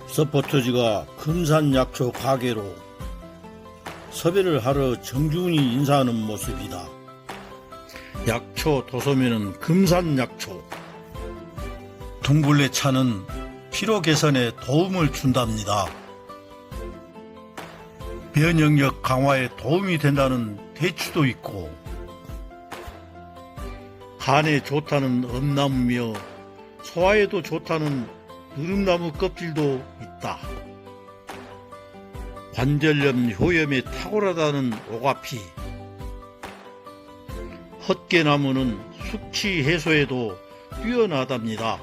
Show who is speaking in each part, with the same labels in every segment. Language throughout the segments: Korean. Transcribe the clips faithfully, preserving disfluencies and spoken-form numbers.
Speaker 1: 서포터즈가 금산약초 가게로 섭외를 하러 정중히 인사하는 모습이다. 약초 도소매는 금산약초. 둥글레 차는 피로 개선에 도움을 준답니다. 면역력 강화에 도움이 된다는 대추도 있고, 간에 좋다는 엄나무며 소화에도 좋다는 누름나무 껍질도 있다. 관절염 효염에 탁월하다는 오가피, 헛개나무는 숙취 해소에도 뛰어나답니다.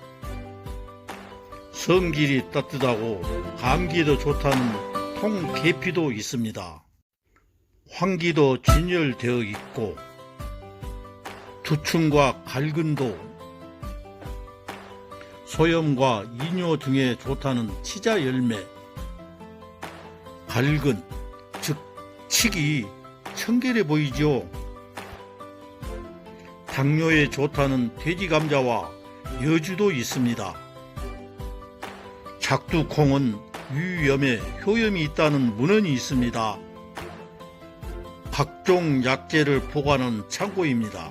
Speaker 1: 성질이 따뜻하고 감기에도 좋다는 통계피도 있습니다. 황기도 진열되어 있고, 두충과 갈근도, 소염과 이뇨 등에 좋다는 치자 열매, 갈근, 즉 칡이 청결해 보이죠. 당뇨에 좋다는 돼지감자와 여주도 있습니다. 작두콩은 유염에 효염이 있다는 문헌이 있습니다. 각종 약재를 보관하는 창고입니다.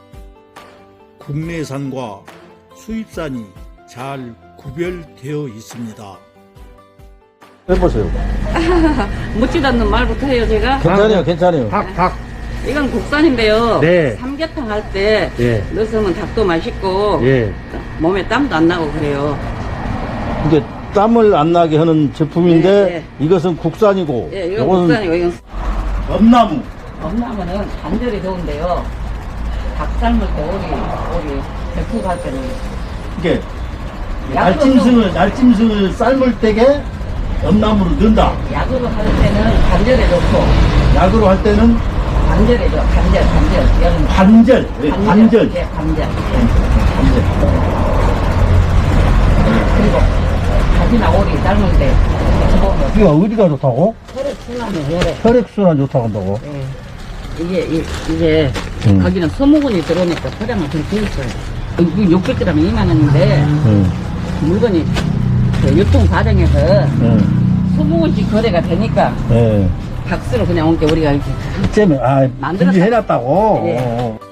Speaker 1: 국내산과 수입산이 잘 구별되어 있습니다.
Speaker 2: 해보세요.
Speaker 3: 묻지도 않는 말부터 해요, 제가.
Speaker 2: 괜찮아요, 괜찮아요.
Speaker 4: 닭, 닭.
Speaker 3: 이건 국산인데요.
Speaker 4: 네.
Speaker 3: 삼계탕 할 때
Speaker 4: 예.
Speaker 3: 넣으면 닭도 맛있고
Speaker 4: 예.
Speaker 3: 몸에 땀도 안 나고 그래요.
Speaker 2: 이게 땀을 안 나게 하는 제품인데
Speaker 3: 네, 네.
Speaker 2: 이것은 국산이고,
Speaker 3: 예, 이건
Speaker 2: 요거는
Speaker 3: 국산이고 이건
Speaker 2: 엄나무.
Speaker 3: 엄나무는 관절이 좋은데요. 닭 삶을 때 오리, 오리 백숙 할 때는
Speaker 2: 이게
Speaker 3: 약으로
Speaker 2: 날짐승을 날짐승을 삶을 때게 엄나무를 넣는다.
Speaker 3: 약으로 할 때는 관절에 좋고
Speaker 2: 약으로 할 때는
Speaker 3: 관절에 좋아. 관절, 관절. 여름
Speaker 2: 관절, 예, 관절,
Speaker 3: 예, 관절.
Speaker 2: 관절.
Speaker 3: 그리고 닭이나 오리 삶을 때 먹으면
Speaker 2: 이거 어디가 좋다고?
Speaker 3: 혈액순환이 혈액.
Speaker 2: 혈액순환 좋다고 한다고?
Speaker 3: 예. 이게, 이, 이게,
Speaker 2: 음.
Speaker 3: 거기는 소모근이 들어오니까 혈액을 좀 비웠어요. 이거 육백 그램에 이만 원인데,
Speaker 2: 응,
Speaker 3: 물건이 그 유통 과정에서
Speaker 2: 응,
Speaker 3: 소모근씩 거래가 되니까,
Speaker 2: 예.
Speaker 3: 박스로 그냥 온 게 우리가 이렇게
Speaker 2: 잼에 아
Speaker 3: 만들었다.
Speaker 2: 분리해놨다고.
Speaker 3: 예.
Speaker 2: 어, 어.